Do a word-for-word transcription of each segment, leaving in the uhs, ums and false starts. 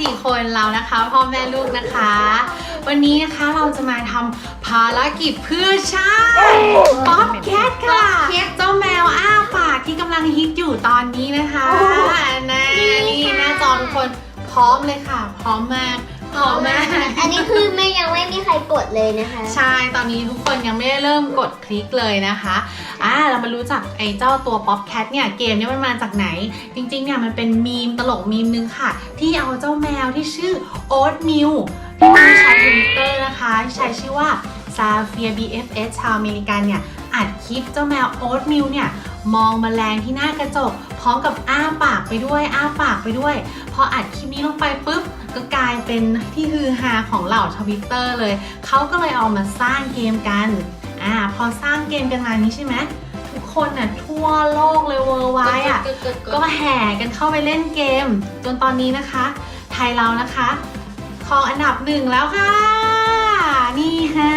สี่คนเรานะคะพ่อแม่ลูกนะคะวันนี้นะคะเราจะมาทำภารกิจเพื่อชาติป๊อปแคทค่ะเจ้าแมวอ้าปากที่กำลังฮิตอยู่ตอนนี้นะคะนะนี่หน้าจอทุกคนพร้อมเลยค่ะพร้อมมากพร้อมมากอันนี้คือไม่ยังไม่มีใครกดเลยนะคะใช่ตอนนี้ทุกคนยังไม่ได้เริ่มกดคลิกเลยนะคะอ่าเรามารู้จักไอ้เจ้าตัวป๊อปแคทเนี่ยเกมนี้มันมาจากไหนจริงๆเนี่ยมันเป็นมีมตลกมีมนึงค่ะที่เอาเจ้าแมวที่ชื่อโอ๊ตมิลที่มีใช้ทวิตเตอร์นะคะที่ใช้ชื่อว่าซาเฟีย บี เอฟ เอส ชาวอเมริกันเนี่ยอัดคลิปเจ้าแมวโอ๊ตมิลเนี่ยมองแมลงที่หน้ากระจกพร้อมกับอ้าปากไปด้วยอ้าปากไปด้วยพออัดคลิปนี้ลงไปปุ๊บก็กลายเป็นที่ฮือฮาของเหล่าทวิตเตอร์เลยเขาก็เลยเอามาสร้างเกมกันอ่าพอสร้างเกมกันมานี้ใช่ไหมทุกคนน่ะทั่วโลกเลยเวอร์ไวด์อ่ะก็มาแห่กันเข้าไปเล่นเกมจนตอนนี้นะคะไทยเรานะคะครองอันดับหนึ่งแล้วค่ะนี่ค่ะ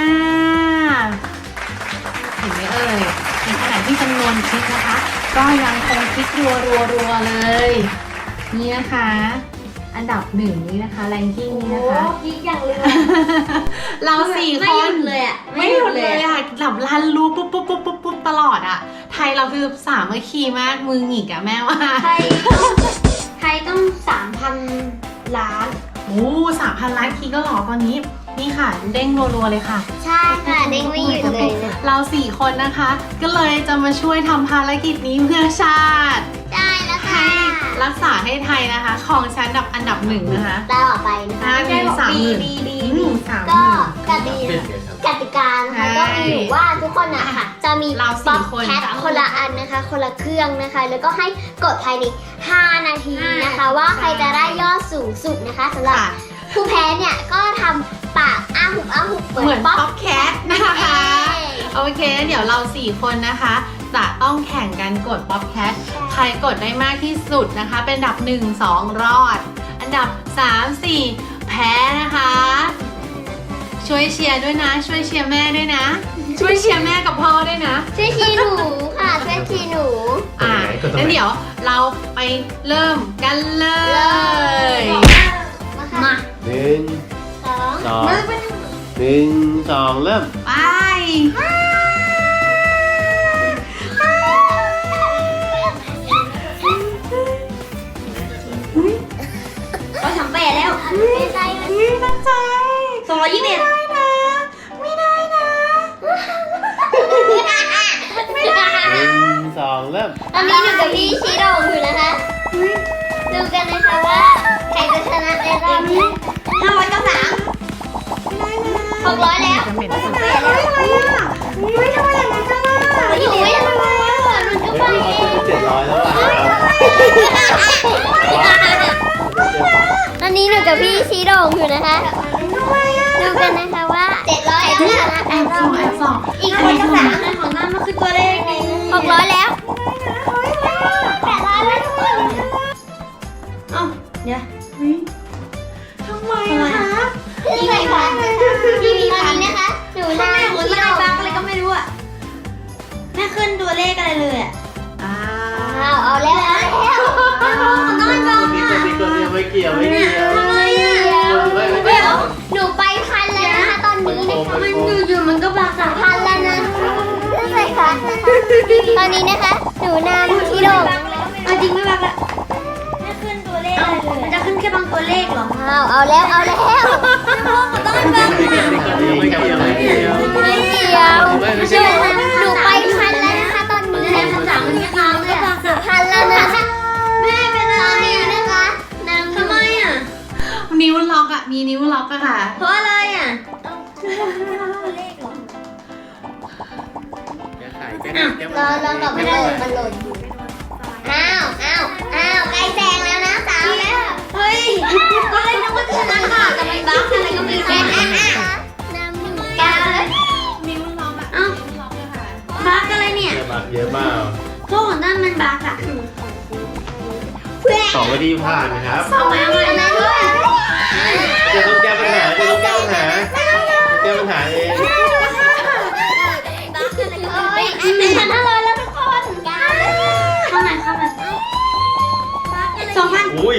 เห็นไหมเอ่ยในขณะที่จำนวนคลิกนะคะก็ยังคงคลิกรัวรัวรัวเลยนี่นะคะอันดับหนึ่งนี้นะคะแรงกิ้งนี้นะคะคลิกอย่างเลยเราสี่คนไม่หยุดเลยอ่ะไม่หยุดเลยอ่ะหลับลันรู้ปุ๊บปุ๊บปุ๊บปุ๊บปุ๊บตลอดอ่ะไทยเราคือสามัคคีมากมือหงิกอ่ะแม่ว่าไทยไทยต้องสามพันล้านโอ้สามพันล้านคลิกก็หรอตอนนี้นี่ค่ะเด้งรัวๆเลยค่ะใช่ค่ะเด้งไม่หยุดเลยเราสี่คนนะคะก็เลยจะมาช่วยทำภารกิจนี้เพื่อชาติได้แล้วค่ะให้รักษาให้ไทยนะคะครองแชมป์อันดับหนึ่งนะคะได้ต่อไปนะคะมีสามหมื่นสามหมื่นก็กติกติกานะคะก็มีอยู่ว่าทุกคนอะค่ะจะมีป๊อปแคทคนละอันนะคะคนละเครื่องนะคะแล้วก็ให้กดภายในห้านาทีนะคะว่าใครจะได้ยอดสูงสุดนะคะสำหรับผู้แพ้เนี่ยก็ทำปากอ้าหุบอ้าหุบเหมือนป๊อปแคทนะคะโอเคเดี๋ยวเราสี่คนนะคะจะต้องแข่งกันกดป๊อปแคทใครกดได้มากที่สุดนะคะเป็นอันดับหนึ่ง สองรอดอันดับสาม สี่แพ้นะคะช่วยเชียร์ด้วยนะช่วยเชียร์แม่ด้วยนะช่วยเชียร์แม่กับพ่อด้วยนะช่วยเชียร์หนูค่ะช่วยเชียร์หนูอ่ะงั้นเดี๋ยวเราไปเริ่มกันเลยมาหนึ่งสองสองหนึ่งสองเริ่มไปก็ทำไปแล้วไม่ได้ไม่ตั้งใจสองร้อยยี่สิบเอ็ดไม่ได้นะไม่ได้นะไม่ได้หนึ่งสองเริ่มตอนนี้หนูกับพี่ชี้โด่งอยู่นะคะดูกันนะคะว่าใครจะชนะในรอบนี้ห้าร้อยเก้าสิบสามหกร้อยแล้วไม่ได้อ่ะไม่ทำไมอย่างนั้นกันล่ะอยู่ไม่ทำไมอ่ะมันก็ไปเองเจ็ดร้อยแล้วอ่ะตอนนี้หนูกับพี่ชี้โด่งอยู่นะคะดูกันนะคะว่าเจ็ดร้อยแล้วนะแอบสองแอบสองอีกคนก็สามของน้ำมันคือตัวเลขหกร้อยแล้วแปดร้อยแล้วทุกคนเอ้าเดี๋ยวทำไมคะพี่มีพันพี่มีพันนะคะหนูน่าหัวที่เราบ้างอะไรก็ไม่รู้อะไม่ขึ้นตัวเลขอะไรเลยอะอ้าวเอาแล้วเอาแล้วน้อยบ้างอ่ะไม่เกี่ยวไม่เกี่ยวทำไมอ่ะเดี๋ยวหนูไปพันแล้วนะคะตอนนี้นะคะมันอยู่ๆมันก็บางสามพันแล้วนะใช่ค่ะตอนนี้นะคะหนูนำที่โดมจริงไม่บางละไม่ขึ้นตัวเลขอะไรเลยมันจะขึ้นแค่บางตัวเลขหรอเอาเอาแล้วเอาแล้วต้องบางไม่เกี่ยวไม่เกี่ยวไม่เกี่ยวไม่เกี่ยวหนูไปพันแล้วนะคะตอนนี้นะคะสามพันก็บางสามพันแล้วนะคะแม่เป็นอะไรนะคะทำไมอ่ะนิ้วล็อกอ่ะมีนิ้วล็อกอะค่ะเพราะอะไรอ่ะเราเราตอบไม่ได้มันหล่นอ้าวอ้าวอ้าวใกล้แซงแล้วนะสาวแล้วเฮ้ยก็เลยนึกว่าจะชนะค่ะแต่มันบั๊กอะไรก็ไม่รู้น้ำหนึ่งแก้วเลยนิ้วล็อกอะอ้าวล็อกเลยค่ะบั๊กอะไรเนี่ยบั๊กเยอะมากพวกของด้านมันบั๊กอะสองวิธีผ่านนะครับสองมาใหม่นะด้วยจะต้องแก้ปัญหาจะต้องแก้ปัญหาแก้ปัญหาเองเฮ้ยเป็นพันห้าร้อยแล้วทุกคนเข้ามาเข้ามาสองพันอุ้ย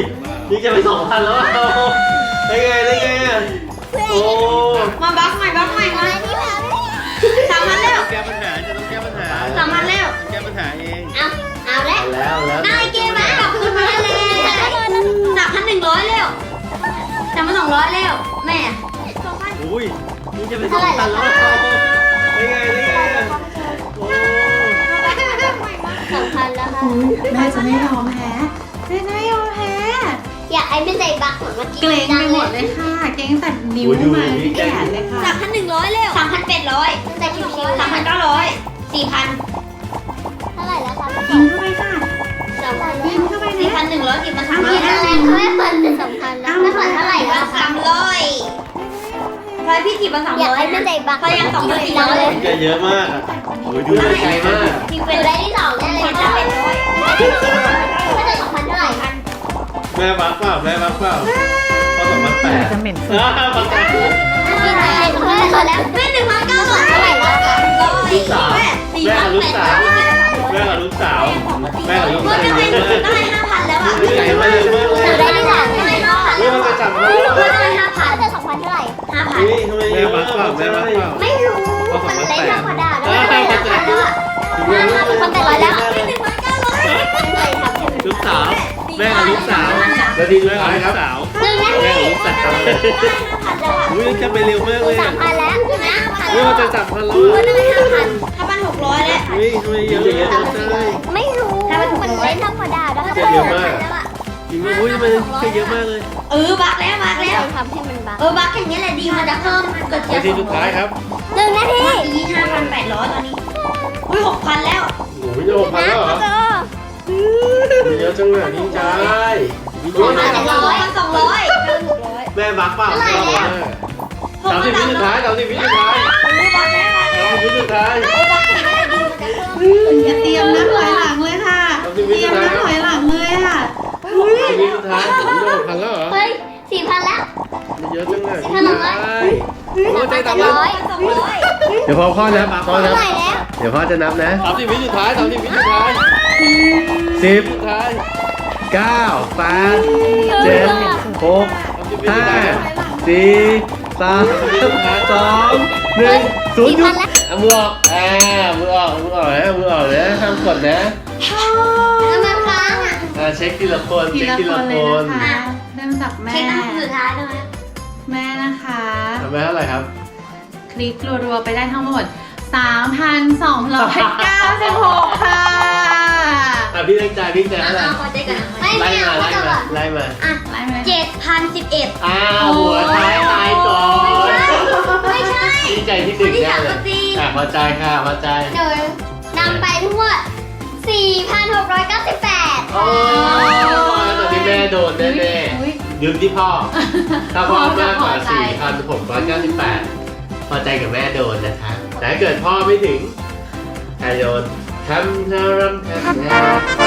นี่จะไปสองพันแล้วอ่ะได้ไงได้ไงอ่ะโอ้มาบักใหม่บักใหม่มาสามพันแล้วแก้ปัญหาจะต้องแก้ปัญหาสามพันแล้วแก้ปัญหาเองเอาเอาแล้วเอาแล้วแล้วนายเกมมากลับคืนมาแล้วสามพันหนึ่งร้อยแล้วสามพันสองร้อยแล้วแม่อุ้ยนี่จะไปสองพันแล้วได้ไงได้ไงอ่ะโอ้สองพันแล้วค่ะแม่จะไม่ยอมแพ้แม่จะไม่ยอมแพ้อยากไอ้ไม่ใส่บักเหมือนเมื่อกี้เกรงไปหมดเลยค่ะ เกรงแต่นิ้วมาที่แขนเลยค่ะสามพันหนึ่งร้อยแล้วสามพันแปดร้อยแต่ชิวๆสามพันเก้าร้อยสี่พันเท่าไหร่แล้วคะกินเข้าไปค่ะสามพันกินเข้าไปสี่เนี่ยพันหนึ่งร้อยสี่พันสามพันอะไรไม่ผ่อนเป็นสองพันแล้วไม่ผ่อนเท่าไหร่แล้วสามร้อยพอพี่จีบมาสามร้อยอยากให้ไม่ใส่บักพอยังสองพันสี่ร้อยเลยแกเยอะมากอ่ะโอ้ยดูได้ไกลมากพี่เป็นได้ที่สองได้เลยจะเป็นร้อยถ้าจะสองพันเท่าไหร่พันแม่บักเปล่าแม่บักเปล่าพอสองพันแปดจะเหม็นอ่าบักแปดพี่นายเท่าไหร่แล้วแม่หนึ่งพันเก้าร้อยเท่าไหร่แล้วคะร้อยลูกสาวแม่สี่แม่พักับนลูกแปดสาร้อวย แม่กับลูกสาวแม่กับลูกก็สาวได้เยอะมากได้ห้าพันแล้วอ่ะนี่ไงมาเร็วมากเลยได้ที่สามได้ห้าพันเฮ้ยมันจะจับมาแล้วก็ได้ห้าพันจะสองพันเท่าไหร่ห้าพันนี่ทำไมแม่บักเปล่าแม่บักเปล่าไม่รู้มันเล็กธรรมดาแล้วได้ห้าพันแล้วอ่ะห้าพันเป็นคนแปดร้อยแล้วหนึ่งพันเก้าร้อยไม่เคยทำให้มันลูกสาวแม่กับลูกสาวนาทีสุดท้ายครับสาวหนึ่งนาทีแม่กับลูกสาวได้ห้าพันแล้วอ่ะอุ้ยจะไปเร็วมากเลยสามพันแล้วนะเฮ้ยมันจะจับพันแล้วก็ได้ห้าพันห้าพันหกร้อยแล้วเฮ้ยทำไมเยอะเยอะจังเลยไม่รู้มันเล่นธรรมดาแล้วเยอะมากจริงๆอุ้ยมันเยอะมากเลยเออบักแล้วบักแล้วทำให้มันบักเออบักอย่างนี้แหละดีมันจะเพิ่มเกิดนาทีสุดท้ายครับหนึ่งนาทียี่ห้าพันแปดร้อยตอนนี้อุ้ยหกพันแล้วโอ้ยจะหกพันแล้วเหรอเยอะจังเลยนี่ใจสองพันสองร้อยสองร้อยแม่บักเปล่าสามสิบวิสุดท้ายสามสิบวิสุดท้ายอุ้ยบักแล้วบักแล้วสามสิบวิสุดท้ายบักอย่างนี้แหละดีมันจะเพิ่มอย่าเตรียมนับถอยหลังเลยค่ะ เตรียมนับถอยหลังเลยค่ะอุ้ยสามสิบวิสุดท้ายผมจะหกพันแล้วเหรอเฮ้ยสี่พันแล้วเยอะจังเลยพันหนึ่งร้อยโอ้ใจสอตาง มร้อยสองร้อยเดี๋ยวพ่อพ่อนับพ่อนับเท่าไหร่แล้วเดี๋ยวพ่อจะนับนะสามสิบวิสุดท้ายสามสิบวิสุดท้ายสิบสุดท้ายเก้าแปดเจ็ดหกห้าสี่สามสองหนึ่งศูนย์หยุดเอามือออกอ่ามือออกมือออกนะมือออกนะห้ามกดนะแล้วมันค้างอ่ะอ่าเช็คทีละคนทีเช็คละทีคละนคเลยนนะคะเริ่มจากแม่เช็คอันสุดท้ายด้วยแม่นะคะทำไปเท่าไหร่ครับคลิกรัวๆไปได้ทั้งหมด สามพันสองร้อยเก้าสิบหก ค่ะอ่ะพี่เล็กใจพี่ใจเท่าไหร่เอาขอใจกันไม่ไล่ไม่มาเอาไล่จะมาแบบไล่มาอ่ะไล่มาเลยเจ็ดพันสิบเอ็ดอ้าวหัวท้ายตายก่อนไม่ใช่ดีใจที่หนึ่งที่แน่สามเลก็ยสี่อ่ะพอใจค่ะพอใจเดี๋ยวนำไปทั้งหมดสี่พันหกร้อยเก้าสิบแปดโอ้ยตอนนี้แม่โดนแน่อุ๊ยๆยืมที่พ่อ ถ้าพ่อมากกว่าพอใจสี่พันหกร้อยเก้าสิบแปดพอใจกับแม่โดนนะคะ แต่ถ้าเกิดพ่อไม่ถึงใครโดนทำทำทำทำเท่า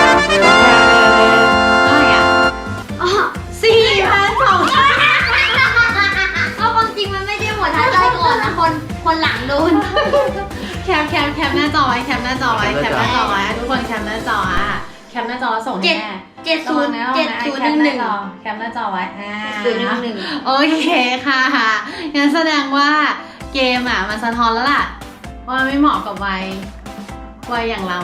ไหร่อ่ะอ๋อสี่พันสองร้อยก็ความจริงมันไม่ได้หมดท้ายใจก่อนนะคนคนหลังโดนแคปแคปแคปหน้าจอไว้แคปหน้าจอไว้แคปหน้าจอไว้ทุกคนแคปหน้าจออ่ะแคปหน้าจอส่งให้เจ็ดแม่เจ็ดศูนย์เจ็ดศูนย์หนึ่งหนึ่งแคปหน้าจอไว้อ่าศูนย์หนึ่งหนึ่งโอเคค่ะงั้นแสดงว่าเกมอ่ะมันสะท้อนแล้วล่ะ ว่าไม่เหมาะกับวัยวัยอย่างเรา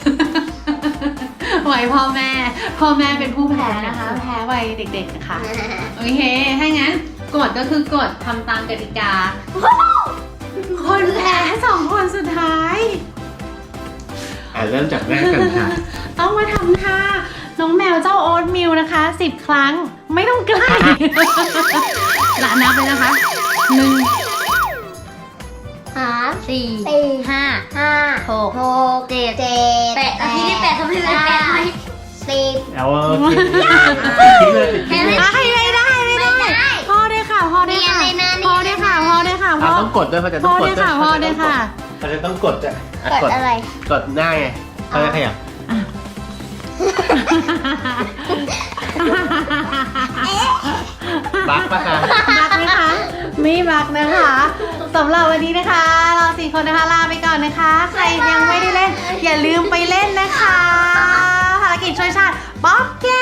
วัยพ่อแม่ พ่อแม่เป็นผู้แพ้นะคะ แพ้วัยเด็กๆนะคะโอเคถ้างั้นกฎก็คือกฎทำตามกติกา คนแพ้สองคนสุดท้ายอ่ะเริ่มจากแม่กันค่ะต้องมาทำท่าน้องแมวเจ้าโอ๊ตมิลนะคะสิบครั้งไม่ต้องใกล้ หลานนับเลยนะคะหนึ่งสามสี่ห้าห้าหกหกเจ็ดเจ็ดแปดอาทิตย์ที่แปดทำให้เป็นแปดไหมสิบเอาคิดคิดเลยคิดเลยอ่ะให้ได้ได้ไม่ได้ไม่ได้พ่อได้วยค่ะพ่อได้วยค่ะเรียนเลยนะพ่อได้วยค่ะพ่อได้วยค่ะอ่ะพ่อต้องกดด้วยเขาจะต้พ่อองกได้ดวยด้วยค่ะพ่อได้วยค่ะเขาจะต้องกดอ่ะอ่ะกดอะไรกดหน้าไงเขาจะขยับบักปะคะบักไหมคะไม่บักนะคะสำหรับวันนี้นะคะ เราสี่คนนะคะลาไปก่อนนะคะ ใครยังไม่ได้เล่น อย่าลืมไปเล่นนะคะภารกิจช่วยชาติป๊อปแก